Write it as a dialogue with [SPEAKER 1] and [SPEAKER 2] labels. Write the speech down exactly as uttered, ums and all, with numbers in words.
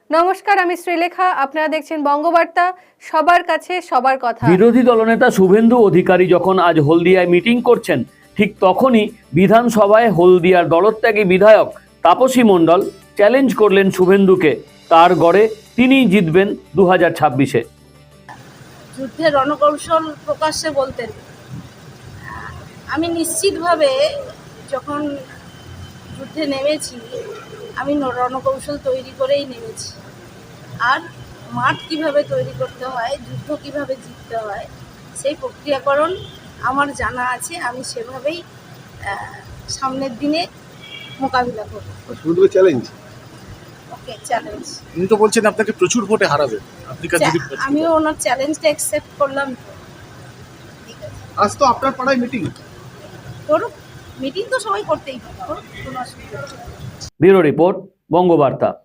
[SPEAKER 1] নমস্কার, আমি শ্রীলেখা। আপনারা দেখছেন বঙ্গবার্তা, সবার কাছে সবার কথা।
[SPEAKER 2] বিরোধী দলনেতা শুভেন্দু অধিকারী যখন আজ হলদিয়ায় মিটিং করছেন, ঠিক তখনই বিধানসভায় হলদিয়ার দলত্যাগী বিধায়ক তাপসী মণ্ডল চ্যালেঞ্জ করলেন শুভেন্দুকে। তার গড়ে তিনিই জিতবেন দু হাজার ছাব্বিশে।
[SPEAKER 3] যুদ্ধের রণকৌশল প্রকাশ্যে বলতেন। আমি নিশ্চিতভাবে যখন যুদ্ধে নেমেছি, আমি রণকৌশল তৈরি করেই নেমেছি। আর মাঠ কিভাবে তৈরি করতে হয়, যুদ্ধ কিভাবে জিততে হয়, সেই প্রক্রিয়াকরণ আমার জানা আছে। আমি সেভাবেই সামনের দিনে মোকাবিলা করব।
[SPEAKER 4] শুধু চ্যালেঞ্জ।
[SPEAKER 3] ওকে, চ্যালেঞ্জ।
[SPEAKER 4] উনি তো বলছেন আপনাকে প্রচুর ভোটে হারাবে। আপনি কাজ যদি
[SPEAKER 3] আমিও ওনার চ্যালেঞ্জটা অ্যাকসেপ্ট করলাম। তো ঠিক আছে,
[SPEAKER 4] আজ তো আপনার পাড়ায় মিটিং
[SPEAKER 3] করুক। মিটিং তো সবাই করতেই পারে, করুক, কোনো অসুবিধা নেই।
[SPEAKER 2] Bureau report, Bangabarta.